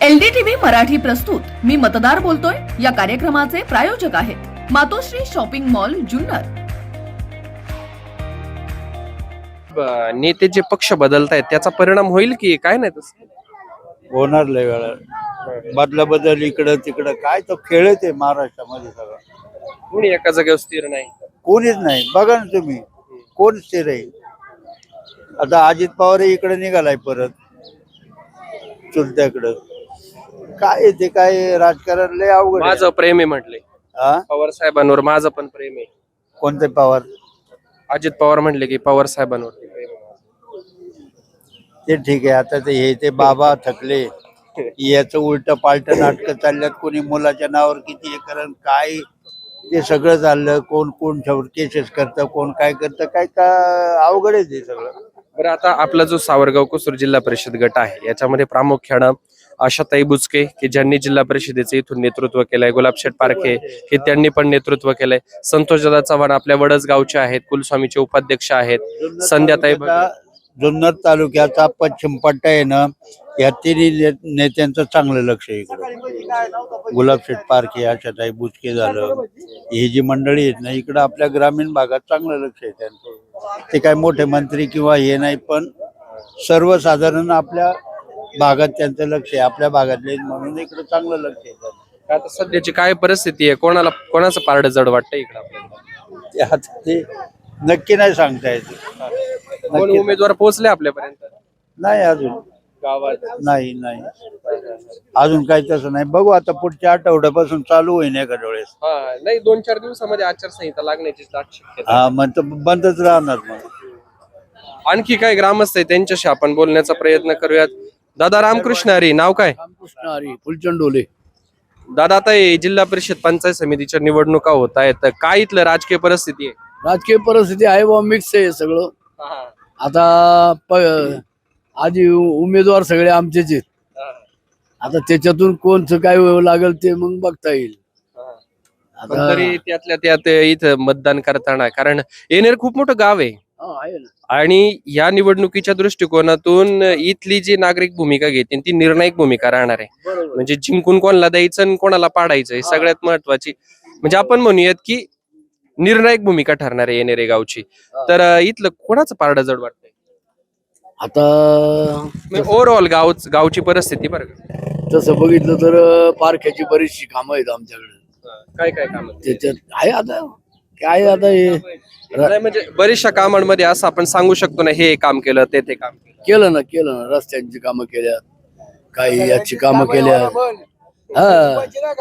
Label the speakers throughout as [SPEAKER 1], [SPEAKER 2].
[SPEAKER 1] LDTV Marathi प्रस्तुत मी मतदार बोलतोय या कार्यक्रमाचे प्रायोजक आहेत मातोश्री शॉपिंग मॉल जुन्नर।
[SPEAKER 2] नेते जे पक्ष बदलतायत त्याचा परिणाम होईल की काय नाही तसं
[SPEAKER 3] होणार लय वेळा बदला बदल इकडं तिकडं काय तो खेळच आहे महाराष्ट्रामध्ये सगळं.
[SPEAKER 2] कोणी एका जागेवर स्थिर नाही।
[SPEAKER 3] कोणीच नाही. बघा ना तुम्ही कोण स्थिर आहे. आता अजित पवार इकडे निघालाय परत चुलत्याकडं. काय आहे ते काय राजकारण लय अवघड आहे.
[SPEAKER 2] माझं प्रेम आहे म्हटले
[SPEAKER 3] हा?
[SPEAKER 2] पवार साहेबांवर माझं पण प्रेम आहे।
[SPEAKER 3] कोणते पवार?
[SPEAKER 2] अजित पवार म्हटले की पवार साहेबांवर प्रेम आहे।
[SPEAKER 3] ते ठीक आहे. आता ते हे ते बाबा थकले याचं उलट पालट नाटकं चालल्यात. कोणी मुलाच्या नावावर किती हे करण काय ते सगळं चाललं. कोण कोण केसेस करतं कोण काय करतं काय का अवघड आहे ते सगळं.
[SPEAKER 2] बरं आता आपला जो सावरगाव कुसूर जिल्हा परिषद गट आहे याच्यामध्ये प्रामुख्यानं आशाताई बुचके की ज्यांनी जिल्हा परिषदेचे इथून नेतृत्व केलंय, गुलाबशेठ पारखे हे त्यांनी पण नेतृत्व केलंय, संतोषदादा चव्हाण आपल्या वडस गावचे आहेत, कुलस्वामीचे उपाध्यक्ष आहेत, संध्याताई
[SPEAKER 3] जुन्नर तालुक्याचा पश्चिम पट्टा आहे ना या तिन्ही नेत्यांचं चांगलं लक्ष आहे इकडं. गुलाबशेठ पारखे आशाताई बुचके झालं ही जी मंडळी आहेत ना इकडं आपल्या ग्रामीण भागात चांगलं लक्ष आहे त्यांचं. ते काय मोठे मंत्री किंवा हे नाही पण सर्वसाधारण आपल्या भागात त्यांचं लक्ष आहे. आपल्या भागातले म्हणून इकडं चांगलं लक्ष आहे.
[SPEAKER 2] आता सध्याची काय परिस्थिती आहे, कोणाचं पारड जड वाटतं इकडं आपल्याला?
[SPEAKER 3] ते आता ते नक्की नाही सांगता येत.
[SPEAKER 2] कोण उमेदवार पोहोचले आपल्यापर्यंत?
[SPEAKER 3] नाही अजून
[SPEAKER 2] गावात
[SPEAKER 3] नाही अजून काही तसं नाही. बघू आता पुढच्या आठवड्यापासून चालू होईल एखाद्या वेळेस.
[SPEAKER 2] हा नाही 2-4 दिवसामध्ये आचारसंहिता लागण्याची शक्यता.
[SPEAKER 3] हा मग तर बंदच राहणार. मग
[SPEAKER 2] आणखी काय ग्रामस्थ आहे त्यांच्याशी आपण बोलण्याचा प्रयत्न करूयात. दादा रामकृष्ण हरी, नाव काय?
[SPEAKER 4] रामकृष्ण हरी फुलचंडोले.
[SPEAKER 2] दादा आता हे जिल्हा परिषद पंचायत समितीच्या निवडणुका होत आहेत, काय इथलं राजकीय परिस्थिती आहे?
[SPEAKER 4] राजकीय परिस्थिती आहे बा मिक्स आहे सगळं. आता आधी उमेदवार सगळे आमचेच आहेत. आता त्याच्यातून कोणचं काय लागेल ते मग बघता येईल.
[SPEAKER 2] पण तरी त्यातल्या त्यात इथं मतदान करताना कारण येणेर खूप मोठं गाव आहे
[SPEAKER 4] आहे ना.
[SPEAKER 2] आणि या निवडणुकीच्या दृष्टिकोनातून इथली जी नागरिक भूमिका घेते ती निर्णायक भूमिका राहणार आहे.
[SPEAKER 4] बरोबर.
[SPEAKER 2] म्हणजे जिंकून कोणाला द्यायचं आणि कोणाला पाडायचं हे सगळ्यात महत्वाची म्हणजे आपण म्हणूयात की निर्णायक भूमिका ठरणार आहे येणेरे गावची. तर इथलं कोणाचं पारडं जड वाटतंय
[SPEAKER 4] आता
[SPEAKER 2] ओव्हरऑल गावची परिस्थिती बरं का?
[SPEAKER 4] तसं बघितलं तर पारख्याची बरीचशी कामं आहेत आमच्याकडे.
[SPEAKER 2] काय काय काम
[SPEAKER 4] त्याच्यात आहे आता काय आता हे
[SPEAKER 2] म्हणजे बरीचशा कामांमध्ये असं आपण सांगू शकतो ना हे काम केलं ते काम केलं.
[SPEAKER 4] केलं ना रस्त्यांची कामं केल्या काही याची कामं केल्या. हा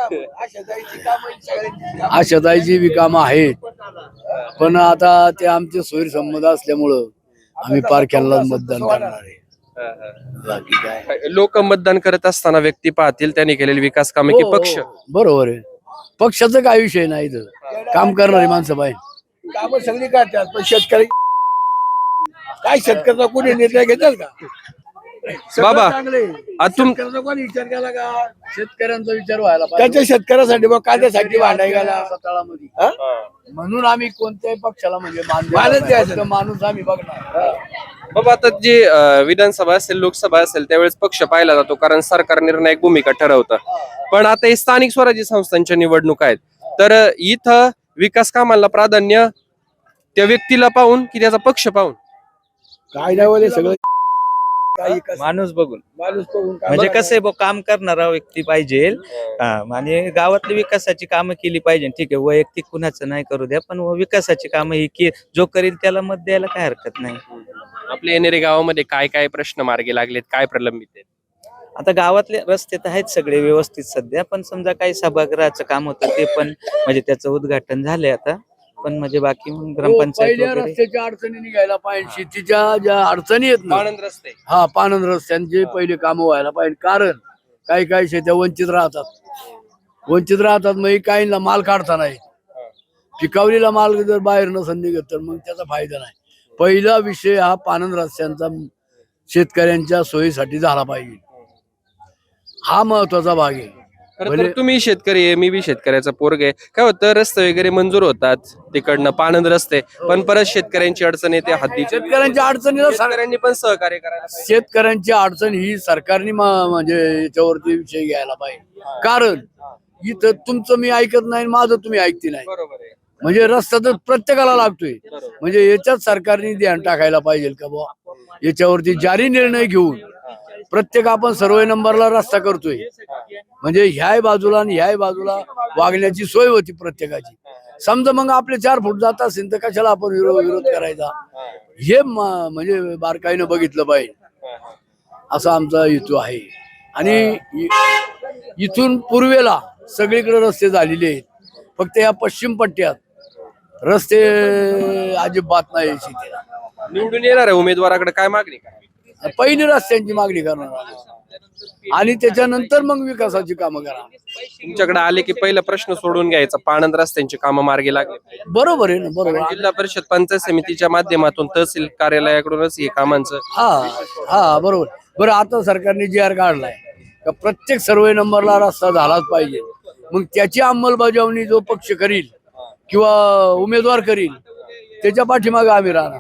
[SPEAKER 4] आशाताईची बी कामं आहेत पण आता ते आमचे सोयी संबंध असल्यामुळं आम्ही पारख्याला मतदान करणार आहे. बाकी काय
[SPEAKER 2] लोक मतदान करत असताना व्यक्ती पाहतील त्यांनी केलेली विकास कामे की पक्ष?
[SPEAKER 4] बरोबर आहे. पक्षाचं काय विषय नाही इथं. काम करणारी माणसं पाहिजे.
[SPEAKER 5] काम सगळी करतात पण शेतकरी काय शेतकऱ्याचा कोणी निर्णय घेतात का?
[SPEAKER 2] बाबा
[SPEAKER 5] शेतकऱ्याचा कोणी विचार केला का?
[SPEAKER 4] शेतकऱ्यांचा विचार व्हायला
[SPEAKER 5] त्याच्या शेतकऱ्यासाठी मग कांद्यासाठी भांडाय गेला.
[SPEAKER 4] तळामध्ये म्हणून आम्ही कोणत्याही पक्षाला म्हणजे
[SPEAKER 5] मानच द्यायचं.
[SPEAKER 4] माणूस आम्ही बघणार.
[SPEAKER 2] बाबा आता जे विधानसभा असेल लोकसभा असेल त्यावेळेस पक्ष पाहिला जातो कारण सरकार निर्णायक भूमिका ठरवतं. पण आता हे स्थानिक स्वराज्य संस्थांच्या निवडणुका आहेत तर इथं विकास कामाला प्राधान्य त्या व्यक्तीला पाहून की त्याचा पक्ष पाहून?
[SPEAKER 5] कायद्यावर सगळं
[SPEAKER 6] माणूस बघून
[SPEAKER 5] बघून
[SPEAKER 6] म्हणजे कसं आहे काम करणारा व्यक्ती पाहिजे. आणि गावातली विकासाची कामं केली पाहिजे. ठीक आहे वैयक्तिक कुणाचं नाही करू द्या पण विकासाची कामं ही जो करील त्याला मत द्यायला काय हरकत नाही.
[SPEAKER 2] आपल्या येणेरे गावामध्ये काय काय प्रश्न मार्गी लागलेत, काय प्रलंबित आहेत?
[SPEAKER 6] आता गावातले रस्ते तर आहेत सगळे व्यवस्थित सध्या पण समजा काही सभागृहाचं काम होतं ते पण म्हणजे त्याचं उद्घाटन झालंय आता पण म्हणजे बाकी ग्रामपंचायत
[SPEAKER 4] पहिल्या
[SPEAKER 6] वगैरे
[SPEAKER 4] रस्त्याच्या अडचणी निघायला पाहिजे. शेतीच्या ज्या अडचणी आहेत ना
[SPEAKER 2] आनंद रस्ते
[SPEAKER 4] हा पानंद रस्त्यांचे पहिले कामं व्हायला पाहिजे. कारण काही काही शेत्या वंचित राहतात मग काहींना माल काढता नाही. पिकावलेला माल जर बाहेर नसन निघत तर मग त्याचा फायदा नाही. पहिला विषय हा पानंद रस्त्यांचा शेतकऱ्यांच्या सोयीसाठी झाला पाहिजे. हा महत्वाचा भाग आहे.
[SPEAKER 2] खरं तर तुम्ही शेतकरी आहे, मी बी शेतकऱ्याचा पोरग आहे. काय होतं, रस्ते वगैरे मंजूर होतात तिकडनं पाणंद रस्ते, पण परत शेतकऱ्यांची अडचण येते. हद्दीच्या
[SPEAKER 4] शेतकऱ्यांच्या अडचणीला
[SPEAKER 2] शेतकऱ्यांनी पण सहकार्य करायला पाहिजे.
[SPEAKER 4] शेतकऱ्यांची अडचण ही सरकारने म्हणजे याच्यावरती विषय घ्यायला पाहिजे. कारण इथं तुमचं मी ऐकत नाही, माझं तुम्ही ऐकते नाही.
[SPEAKER 2] बरोबर आहे.
[SPEAKER 4] म्हणजे रस्ता तर प्रत्येकाला लागतोय. म्हणजे याच्यात सरकारने ध्यान टाकायला पाहिजे का बुवा, याच्यावरती जारी निर्णय घेऊन प्रत्येक आपण सर्वे नंबरला रस्ता करतोय, म्हणजे ह्याही बाजूला आणि ह्याही बाजूला वागण्याची सोय होती प्रत्येकाची. समजा मग आपले 4 फूट जात असेल तर कशाला आपण विरोध करायचा, हे म्हणजे बारकाईनं बघितलं पाहिजे, असा आमचा हेतू आहे. आणि इथून पूर्वेला सगळीकडे रस्ते झालेले आहेत, फक्त या पश्चिम पट्ट्यात रस्ते अजिबात नाही. शेतीला
[SPEAKER 2] निवडून येणार आहे उमेदवाराकडे काय मागणी करा?
[SPEAKER 4] पहिली रस्त्यांची मागणी करणार आणि त्याच्यानंतर मग विकासाची कामं करा.
[SPEAKER 2] तुमच्याकडे आले की पहिला प्रश्न सोडून घ्यायचा, पाणंद रस्त्यांची कामं मार्गी लागली.
[SPEAKER 4] बरोबर आहे ना, बरोबर.
[SPEAKER 2] जिल्हा परिषद पंचायत समितीच्या माध्यमातून तहसील कार्यालयाकडूनच हे कामांचं
[SPEAKER 4] हा बरोबर. बरं, आता सरकारने GR काढलाय का प्रत्येक सर्वे नंबरला रस्ता झालाच पाहिजे. मग त्याची अंमलबजावणी जो पक्ष करील किंवा उमेदवार करील त्याच्या पाठीमागे आम्ही राहणार.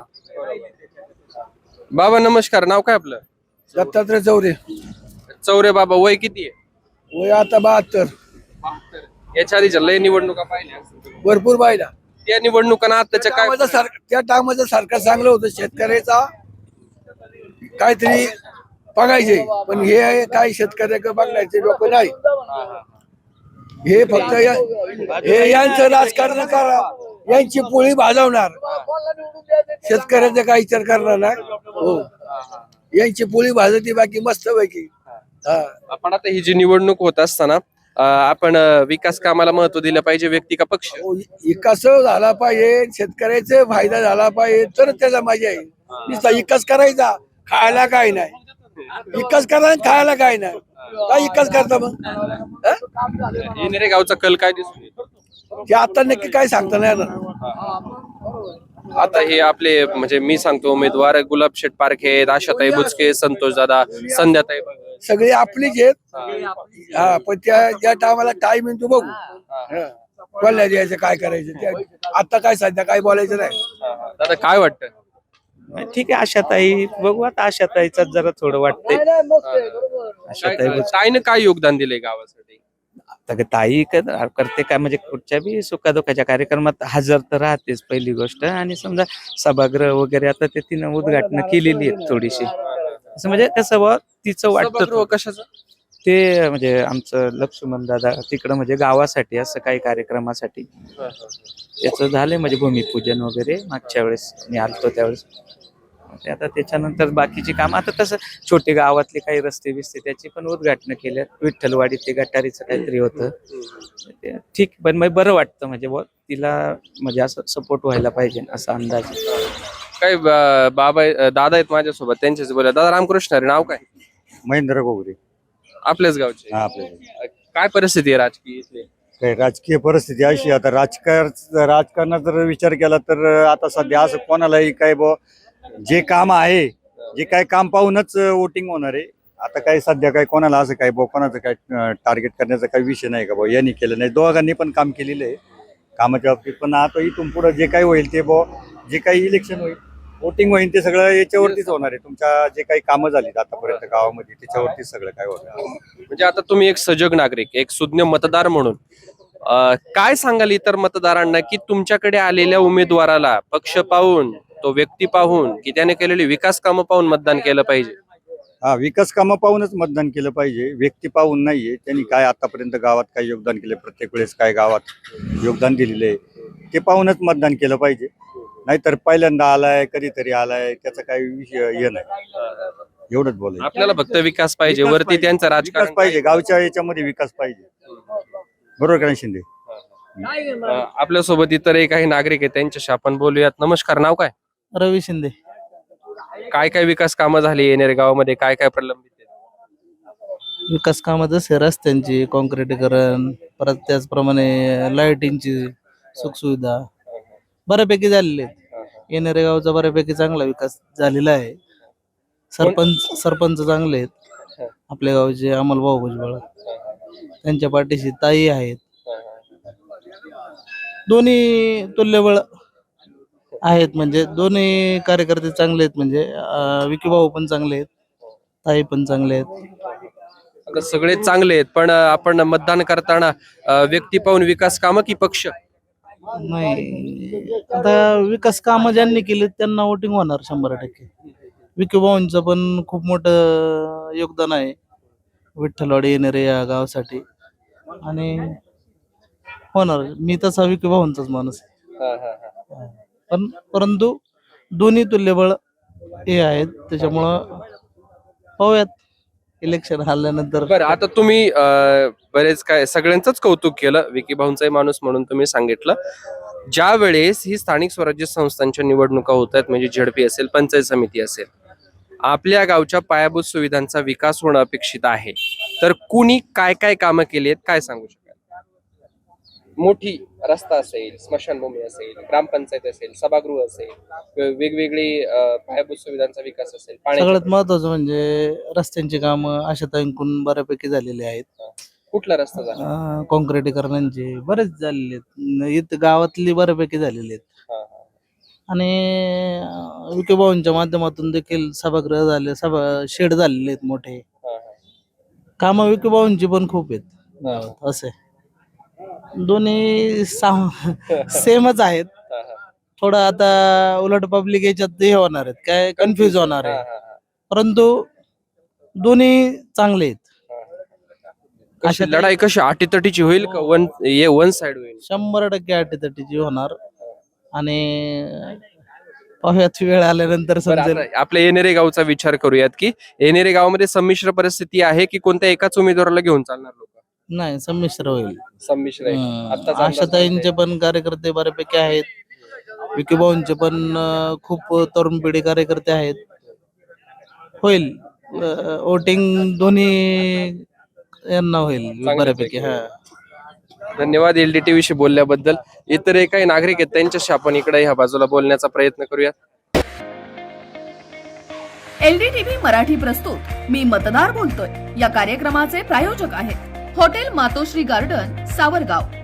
[SPEAKER 2] बाबा नमस्कार, नाव काय आपलं?
[SPEAKER 5] दत्तात्रय चौरे.
[SPEAKER 2] चौरे बाबा, वय किती आहे?
[SPEAKER 5] वय आता 72.
[SPEAKER 2] याच्या आधीच्या लय निवडणुका पाहिल्या असतील.
[SPEAKER 5] भरपूर पाहिला.
[SPEAKER 2] त्या निवडणुकांना आताच्या काय
[SPEAKER 5] त्या टायमाचं सरकार चांगलं होतं, शेतकऱ्याचा काहीतरी बघायचे, पण हे काही शेतकऱ्याकडे बघायचे लोक नाही. हे फक्त हे यांचं राजकारण करा, यांची पोळी भाजवणार, शेतकऱ्याचा काही विचार करणार नाही. हो, यांची पोळी भाजती बाकी मस्त पैकी.
[SPEAKER 2] आपण आता ही जी निवडणूक होत असताना आपण विकास कामाला महत्व दिलं पाहिजे, व्यक्ती का पक्ष?
[SPEAKER 5] विकास झाला पाहिजे, शेतकऱ्याचा फायदा झाला पाहिजे, तर त्याचा मजा आहे. नुसता विकास करायचा, खायला काय नाही. विकास करा, खायला काय नाही. काय विकास करता मग?
[SPEAKER 2] येणारे गावचा कल काय दिसून येतो?
[SPEAKER 5] ते आता नक्की काय सांगता नाही येणार.
[SPEAKER 2] आता हे आपले म्हणजे मी सांगतो उमेदवार गुलाबशेठ पारखे, आशाताई बुचके, संतोष दादा, संध्याताई
[SPEAKER 5] सगळे आपलीच आहेत. हा, पण त्या टायमाला टाइम येतो बघू. कोणाला द्यायचं, काय करायचं, आता काय सध्या काय बोलायचं नाही.
[SPEAKER 2] दादा काय वाटतं?
[SPEAKER 6] ठीक आहे, आशाताई बघू आता. आशाताईच जरा थोडं वाटतंय.
[SPEAKER 2] ताईनं काय योगदान दिले गावासाठी?
[SPEAKER 6] आता ताई करते काय, म्हणजे कुठच्या बी सुखादुखाच्या कार्यक्रमात हजर तर राहतेच पहिली गोष्ट. आणि समजा सभागृह वगैरे आता ते तिनं उद्घाटन केलेली आहेत थोडीशी. असं म्हणजे कसं बा तिचं वाटतं
[SPEAKER 2] कशाचं
[SPEAKER 6] ते, म्हणजे आमचं लक्ष्मण दादा तिकडं म्हणजे गावासाठी असं काही कार्यक्रमासाठी त्याचं झालंय, म्हणजे भूमिपूजन वगैरे मागच्या वेळेस मी आलतो त्यावेळेस. ते आता त्याच्यानंतर बाकीची काम, आता तसं छोटे गावातले काही रस्ते बिस्ते त्याची पण उद्घाटन केल्या. विठ्ठलवाडी ते गटारीचं काहीतरी होतं ते, ठीक. पण मग बरं वाटतं, म्हणजे तिला म्हणजे असं सपोर्ट व्हायला पाहिजे असा अंदाज.
[SPEAKER 2] काय बाबा दादा आहेत माझ्यासोबत, त्यांच्याच बोला. दादा रामकृष्ण हरी, नाव काय?
[SPEAKER 3] महेंद्र गोगरे.
[SPEAKER 2] आपल्याच गावचे. काय परिस्थिती आहे राजकीय इथली?
[SPEAKER 3] काही राजकीय परिस्थिती अशी, आता राजकारणात जर विचार केला तर आता सध्या असं कोणालाही काय जे काम आहे, जे काय काम पाहूनच वोटिंग होणार आहे. आता काही सध्या काही कोणाला असं काही कोणाचं काय टार्गेट करण्याचा काही विषय नाही का यांनी केलं नाही. दोघांनी पण काम केलेलं आहे कामाच्या बाबतीत. पण आता इथून पुढे जे काही होईल ते जे काही इलेक्शन होईल, वोटिंग होईल, ते सगळं याच्यावरतीच होणार आहे. तुमच्या जे काही कामं झाली आतापर्यंत गावामध्ये त्याच्यावरतीच सगळं काय होणार.
[SPEAKER 2] म्हणजे आता तुम्ही एक सजग नागरिक, एक सुज्ञ मतदार म्हणून काय सांगाल इतर मतदारांना की तुमच्याकडे आलेल्या उमेदवाराला पक्ष पाहून, तो व्यक्ती पाहून, की त्याने केलेली विकास कामं पाहून मतदान केलं पाहिजे?
[SPEAKER 3] हा, विकास कामं पाहूनच मतदान केलं पाहिजे, व्यक्ती पाहून नाहीये. त्यांनी काय आतापर्यंत गावात काय योगदान केलं, प्रत्येक वेळेस काय गावात योगदान दिलेलं आहे ते पाहूनच मतदान केलं पाहिजे. नाहीतर पहिल्यांदा आलाय, कधीतरी आलाय, त्याचा काही विषय हे नाही. एवढंच बोलायचं.
[SPEAKER 2] आपल्याला फक्त विकास पाहिजे, वरती त्यांचं राजकारण
[SPEAKER 3] पाहिजे, गावच्या याच्यामध्ये विकास पाहिजे. बरोबर का नाही शिंदे?
[SPEAKER 2] आपल्यासोबत इतरही काही नागरिक आहेत, त्यांच्याशी आपण बोलूयात. नमस्कार, नाव काय?
[SPEAKER 7] रवी शिंदे.
[SPEAKER 2] काय काय विकास कामं झाली येणाऱ्या गावामध्ये, काय काय प्रलंबित आहेत?
[SPEAKER 7] विकास कामं जसे रस्त्यांची काँक्रिटीकरण, परत त्याचप्रमाणे लाईटिंगची सुखसुविधा बऱ्यापैकी झालेली आहेत. येणाऱ्या गावचा बऱ्यापैकी चांगला विकास झालेला आहे. सरपंच चांगले आहेत आपल्या गावचे, अमोल भाऊ भुजबळ. त्यांच्या पाठीशी ताई आहेत. दोन्ही तुल्यबळ आहेत, म्हणजे दोन्ही कार्यकर्ते चांगले आहेत. म्हणजे विकी भाऊ पण चांगले आहेत, ताई पण चांगले आहेत.
[SPEAKER 2] आता सगळे चांगले आहेत, पण आपण मतदान करताना व्यक्ती पाहून विकास कामं की पक्ष?
[SPEAKER 7] नाही, आता विकास कामं ज्यांनी केली त्यांना वोटिंग होणार 100%. विकी भाऊंचं पण खूप मोठं योगदान आहे विठ्ठलवाडी येणारे या गावासाठी, आणि होणार. मी तसा विकी भाऊंचाच माणूस आहे. पण परंतु दोन्ही तुल्यबळ हे आहेत, त्याच्यामुळं पाहूयात इलेक्शन आल्यानंतर.
[SPEAKER 2] बरं, आता तुम्ही बरेच काय सगळ्यांचंच कौतुक केलं, विकी भाऊंचाही माणूस म्हणून तुम्ही सांगितलं. ज्या वेळेस ही स्थानिक स्वराज्य संस्थांच्या निवडणुका होत आहेत, म्हणजे झडपी असेल, पंचायत समिती असेल, आपल्या गावच्या पायाभूत सुविधांचा विकास होणं अपेक्षित आहे, तर कुणी काय काय कामं केली आहेत, काय सांगू शकाल? मोठी रस्ता असेल, स्मशानभूमी असेल, ग्रामपंचायत असेल, सभागृह असेल, वेगवेगळी पायाभूत सुविधांचा विकास असेल,
[SPEAKER 7] सगळ्यात महत्वाचं म्हणजे रस्त्यांची कामं आशाताईंकडून बऱ्यापैकी झालेली आहेत.
[SPEAKER 2] कुठला रस्ता झाला?
[SPEAKER 7] काँक्रिटीकरणांचे बरेच झालेले आहेत, इथं गावातली बऱ्यापैकी झालेली आहेत. आणि विकी भाऊंच्या माध्यमातून देखील सभागृह झाले, शेड झालेले आहेत मोठे. कामं विकी भाऊंची पण खूप आहेत गावात. असे दोन्ही सेमच आहेत. थोडं आता उलट पब्लिक याच्यात हे होणार आहेत, काय कन्फ्युज होणार आहे, परंतु दोन्ही चांगले आहेत.
[SPEAKER 2] कशी लढाई कशी अटीतटीची होईल का वन साइड होईल?
[SPEAKER 7] 100% अटीतटीची होणार, आणि पाहूयात वेळ आल्यानंतर
[SPEAKER 2] बरं,
[SPEAKER 7] समजेल.
[SPEAKER 2] आता आपल्या येणेरे गावचा विचार करूयात की येणेरे गावामध्ये संमिश्र परिस्थिती आहे की कोणत्या एकाच उमेदवाराला घेऊन चालणार लोक?
[SPEAKER 7] नाही, संमिश्र होईल.
[SPEAKER 2] संमिश्र आहे. आत्ताच अंदाज
[SPEAKER 7] आशाताईंचे पण कार्यकर्ते बऱ्यापैकी आहेत, विकी भाऊंचे पण खूप तरुण पिढी कार्यकर्ते आहेत. होईल वोटिंग दोन्ही यांना होईल बऱ्यापैकी. हा,
[SPEAKER 2] धन्यवाद LDTV विषयी बोलल्याबद्दल. इतर काही नागरिक आहेत त्यांच्याशी आपण इकडे ह्या बाजूला बोलण्याचा प्रयत्न करूया.
[SPEAKER 1] LDTV मराठी प्रस्तुत मी मतदार बोलतोय या कार्यक्रमाचे प्रायोजक आहेत हॉटेल मातोश्री गार्डन, सावरगाव.